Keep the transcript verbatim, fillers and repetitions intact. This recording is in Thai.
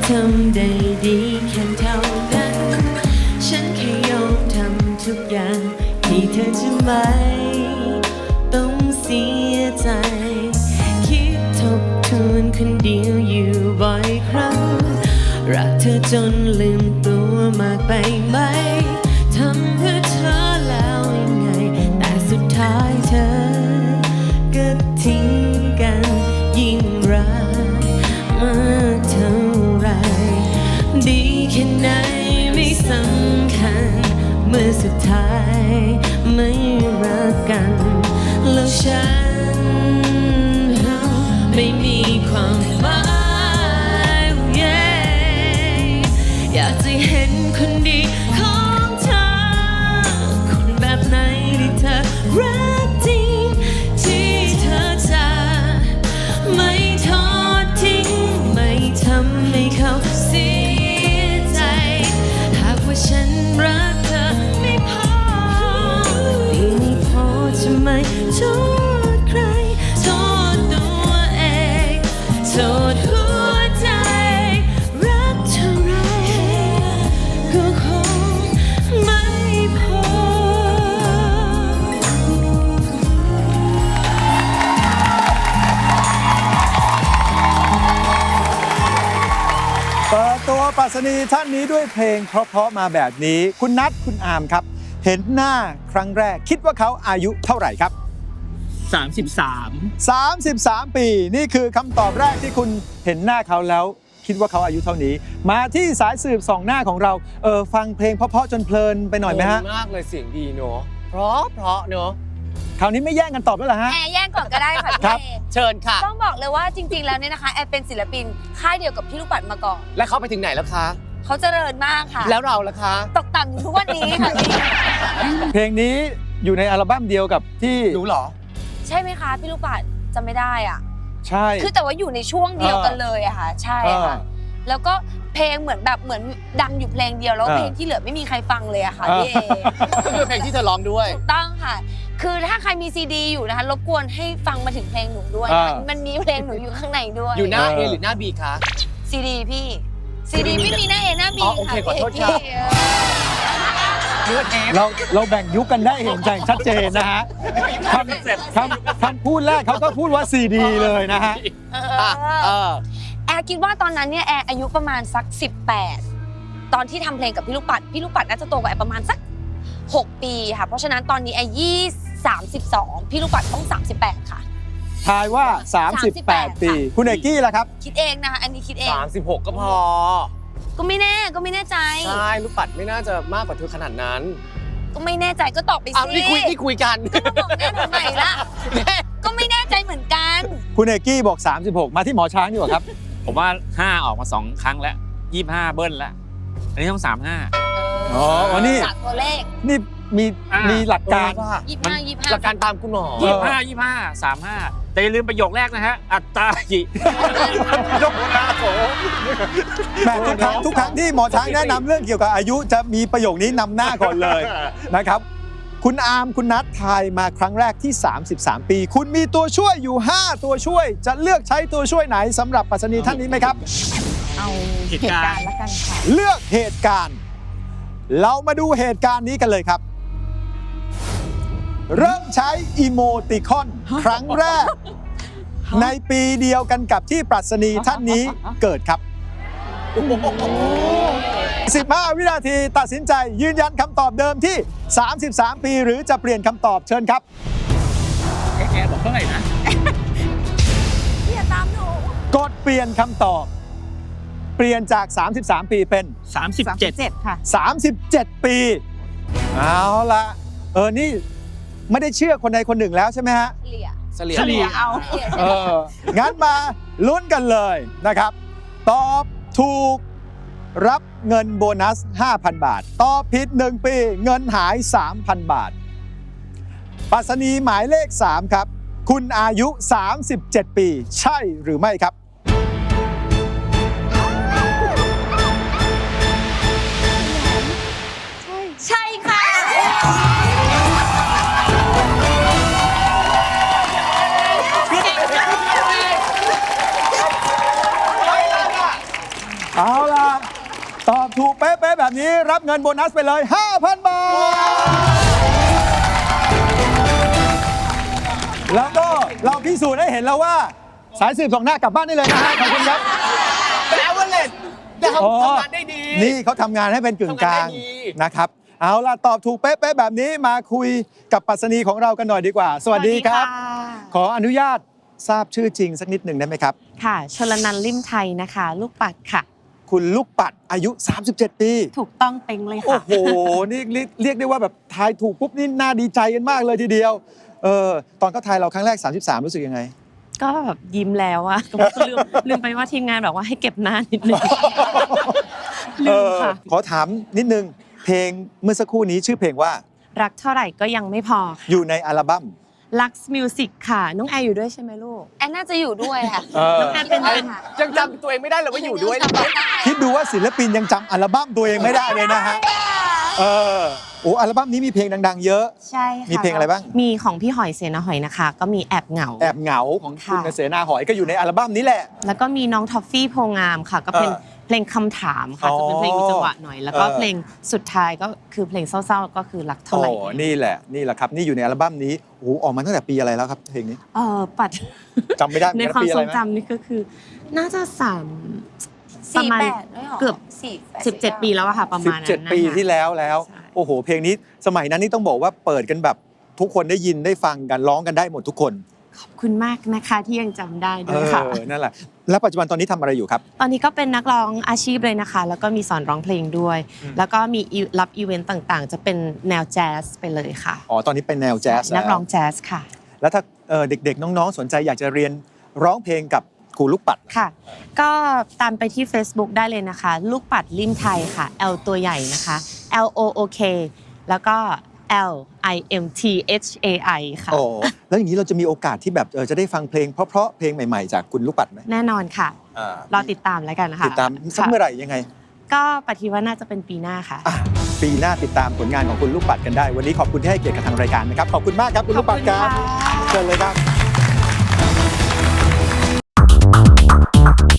ทำได้ดีแค่เท่านั้นฉันแค่ยอมทำทุกอย่างที่เธอจะไม่ต้องเสียใจคิดทบทวนคนเดียวอยู่บ่อยครั้งรักเธอจนลืมตัวมากไปไหมทำเพื่อเธอแล้วยังไงแต่สุดท้ายเธอก็ทิ้งกันยิ่งรักมากเท่าไรดีแค่ไหนไม่สำคัญเมื่อสุดท้ายไม่รักกันแล้วฉันไม่มีความหมายอยากจะเห็นคนดีของเธอคนแบบไหนที่เธอรักจริงที่เธอจะไม่ทอดทิ้งไม่ทำให้เขาเสียใจหากว่าฉันรักเธอไม่พอไม่พอจะไม่โทษใครโทษตัวเองโทษหัวใจรักเท่าไรก็คงไม่พอเปิดตัวปรัชนีท่านนี้ด้วยเพลงเพราะๆมาแบบนี้คุณนัทคุณอามครับเห็นหน้าครั้งแรกคิดว่าเขาอายุเท่าไหร่ครับสามสิบสามสามสิบสามปีนี่คือคำตอบแรกที่คุณเห็นหน้าเขาแล้วคิดว่าเขาอายุเท่านี้มาที่สายสืบสองหน้าของเราเออฟังเพลงเพราะๆจนเพลินไปหน่อยไหมฮะมากเลยเสียงดีเนาะเพราะเพราะเนาะคราวนี้ไม่แย่งกันตอบแล้วเหรอฮะแอร์แย่งก่อนก็ได้ค่ะครับพี่เชิญค่ะต้องบอกเลยว่าจริงๆแล้วเนี่ยนะคะแอร์เป็นศิลปินค่ายเดียวกับพี่ลูกปัดมาก่อนแล้วเขาไปถึงไหนแล้วคะเขาเจริญมากค่ะแล้วเราล่ะคะตกต่ำอยู่ทุกวันนี้ค่ะพี่เพลงนี้อยู่ในอัลบั้มเดียวกับที่รู้เหรอใช่ไหมคะพี่ลูกปัดจำไม่ได้อ่ะใช่คือแต่ว่าอยู่ในช่วงเดียวกันเลยอะค่ะใช่ค่ะเออแล้วก็เพลงเหมือนแบบเหมือนดังอยู่เพลงเดียวแล้วเออเพลงที่เหลือไม่มีใครฟังเลยอะค่ะเออพี่เอก็คือเพลงที่เธอร้องด้วยถูกต้องค่ะ คือถ้าใครมีซีดีอยู่นะคะรบกวนให้ฟังมาถึงเพลงหนูด้วยเอนะอมันมีเพลงหนูอยู่ข้างในด้วยอยู่หน้าเออ A หรือหน้า B คะซีดีพี่ซีดีไม่มีหน้าเอหน้าบีอ๋อโอเคค่ะขอโทษพี่ครับเออเนื้อเทปเราเราแบ่งยุคกันได้เห็นใจชัดเจนนะฮะคำคำคำพูดแรกเขาก็พูดว่าซีดีเลยนะฮะเออ่ะเอออแอร์คิดว่าตอนนั้นเนี่ยแอร์อายุประมาณสักสิบแปดตอนที่ทำเพลงกับพี่ลูกปัดพี่ลูกปัดน่าจะโตกว่าแอร์ประมาณสักหกปีค่ะเพราะฉะนั้นตอนนี้แอร์ยี่สามสิบสองพี่ลูกปัดต้องสามสิบแปดค่ะทายว่า สามสิบแปด ปี คุณเอกกี้ล่ะครับคิดเองนะคะอันนี้คิดเองสามสิบหกก็พอก็ไม่แน่ก็ไม่แน่ใจใช่ลูกปัดไม่น่าจะมากกว่าเธอขนาดนั้นก็ไม่แน่ใจก็ตอบไปอ้าวสินี่คุยนี่คุยกันก็มาบอกแน่ทำไมล่ะก็ไม่แน่ใจเหมือนกันคุณเอกกี้บอก สามสิบหก มาที่หมอช้างดีกว่าครับผมว่าห้าออกมาสองครั้งแล้วยี่สิบห้าเบิ้ลแล้วอันนี้ต้องสามห้าอ๋อวันนี้จากตัวเลขนี่มีอ่ามีมีหลักการเออว่ะยี่สิบห้ายี่สิบห้าหลักการตามคุณหมอเอยี่อสิบห้ายี่สิบห้าสามห้าแต่อย่าลืมประโยคแรกนะฮะ อัตตาหิ ยกหน้าโผแหม่ทุกครั้งทุกครั้งที่หมอช้างแนะนำเรื่องเกี่ยวกับอายุจะมีประโยคนี้นำหน้าก่อนเลยนะครับ คุณอาร์มคุณนัททายมาครั้งแรกที่ สามสิบสาม ปี คุณมีตัวช่วยอยู่ ห้า ตัวช่วย จะเลือกใช้ตัวช่วยไหนสำหรับปรัชนีท่านนี้ไหมครับเอาเหตุการณ์แล้วกันค่ะเลือกเหตุการณ์ เรามาดูเหตุการณ์นี้กันเลยครับ เริ่มใช้อีโมติคอนครั้งแรก ในปีเดียวกันกับที่ปรัชนีท่านนี้เกิดครับ สิบห้า วินาทีตัดสินใจยืนยันคำตอบเดิมที่ สามสิบสาม ปีหรือจะเปลี่ยนคำตอบเชิญครับแอร์บอกเท่าไหร่นะพี่อย่าตามหนูกดเปลี่ยนคำตอบ เปลี่ยนจาก สามสิบสาม ปีเป็นสามสิบเจ็ดค่ะสามสิบเจ็ด ปี เอาละเออ นี่ไม่ได้เชื่อคนใดคนหนึ่งแล้วใช่ไหมฮะเฉลี่ยเฉลี่ยเฉลี่ยเอาเฉลี่ยเออ งั้นมาลุ้นกันเลยนะครับ ตอบถูกรับเงินโบนัส ห้าพัน บาท ตอบผิด หนึ่ง ปี เงินหาย สามพัน บาทปรัชนีหมายเลข สาม ครับ คุณอายุ สามสิบเจ็ด ปี ใช่หรือไม่ครับใช่ค่ะเอาเป๊ะๆแบบนี้รับเงินโบนัสไปเลย ห้าพัน บาท แล้วก็เราพิสูจน์ให้เห็นแล้วว่า สายสืบสองหน้ากลับบ้านได้เลยนะฮะขอบคุณครับแปลว่าเล่นแต่เขาอ๋อทำงานได้ดีนี่เขาทำงานให้เป็นกึ่งกลางทำงานได้ดีนะครับ เอาล่ะ ตอบถูกเป๊ะๆแบบนี้มาคุยกับปรัชนีของเรากันหน่อยดีกว่า สวัสดีครับ ขออนุญาตทราบชื่อจริงสักนิดหนึ่งได้ไหมครับค่ะชลนันท์ลิ่มไทยนะคะ ลูกปัดค่ะคุณลูกปัดอายุ สามสิบเจ็ด ปีถูกต้องเต็งเลยโอ้ค่ะโห นี่เรียกเรียกได้ว่าแบบทายถูกปุ๊บนี่น่าดีใจกันมากเลยทีเดียว เออ ตอนเขาทายเราครั้งแรก สามสิบสาม รู้สึกยังไงก็แบบยิ้มแล้วอะก็ลืมลืมไปว่าทีมงานบอกว่าให้เก็บหน้านิดนึง ลืมค่ะเออขอถามนิดนึง เพลงเมื่อสักครู่นี้ชื่อเพลงว่ารักเท่าไหร่ก็ยังไม่พอค่ะอยู่ในอัลบั้ม Lux Music ค่ะ น้องแอร์อยู่ด้วยใช่ไหมลูกแอนน่าจะอยู่ด้วยค่ะเออน้องแอร์เป็นเป็นยังจำตัวเองไม่ได้เลยว่าอยู่ด้วยนะคิดดูว่าศิลปินยังจำอัลบั้มตัวเองไม่ได้เลยนะฮะ เออ โอ้อัลบั้มนี้มีเพลงดังๆ เยอะใช่ค่ะมีเพลงอะไรบ้างมีของพี่หอยเสนาหอยนะคะ ก็มีแอบเหงาแอบเหงาของคุณค่ะเสนาหอยก็อยู่ในอัลบั้มนี้แหละแล้วก็มีน้องท็อฟฟี่โพงามค่ะ ก็เป็นเออเพลงคำถามค่ะอ๋อจะเป็นเพลงมีจังหวะหน่อย แล้วก็เออเพลงสุดท้ายก็คือเพลงเศร้าๆ ก็คือรักเท่าไหร่โอ้นี่แหละ นี่แหละครับ นี่อยู่ในอัลบั้มนี้ โอ้โหออกมาตั้งแต่ปีอะไรแล้วครับเพลงนี้เออปัดจำไม่ได้เหมืในอนกันความปีอะทไรรงไหมจำนี่ก็คือ น่าจะสามประสี่มาณแปดด้วยหรอเกือบสี่แปดสิบเจ็ดปีแล้วอะค่ะ ประมาณนั้นสิบเจ็ดนะคะปีที่แล้วแล้วใช่โอ้โห เพลงนี้สมัยนั้นนี่ต้องบอกว่าเปิดกันแบบทุกคนได้ยินได้ฟังกันร้องกันได้หมดทุกคนขอบคุณมากนะคะที่ยังจำได้เอด้วยค่ะอ นั่นแหละ แล้วปัจจุบันตอนนี้ทำอะไรอยู่ครับตอนนี้ก็เป็นนักร้องอาชีพเลยนะคะ แล้วก็มีสอนร้องเพลงด้วยอืมแล้วก็มีอีรับอีเวนต์ต่างๆ จะเป็นแนวแจ๊สไปเลยค่ะอ๋อ ตอนนี้เป็นแนวแจ๊สนักร้องแล้วแจ๊สค่ะแล้วถ้าเอ่อเด็กๆ น้องๆ สนใจอยากจะเรียนร้องเพลงกับครูลูกปัดค่ะ ก็ตามไปที่ Facebook ได้เลยนะคะ ลูกปัดลิมไทยค่ะ L ตัวใหญ่นะคะ L O O K แล้วก็ L I M T H A I ค่ะโอ้แล้วอย่างนี้เราจะมีโอกาสที่แบบเออจะได้ฟังเพลงเพราะๆเพลงใหม่ๆ จากคุณลูกปัดไหมแน่นอนค่ะอ่ารอติดตามแล้วกันนะคะติดตามสักค่ะเมื่อไหร่ยังไงก็ปฏิว่าน่าจะเป็นปีหน้าค่ะอ่ะปีหน้าติดตามผลงานของคุณลูกปัดกันได้ วันนี้ขอบคุณที่ให้เกียรติกับทางรายการนะครับ ขอบคุณมากครับคุณลูกปัดครับขอบคุณค่ะเชิญเลยครับ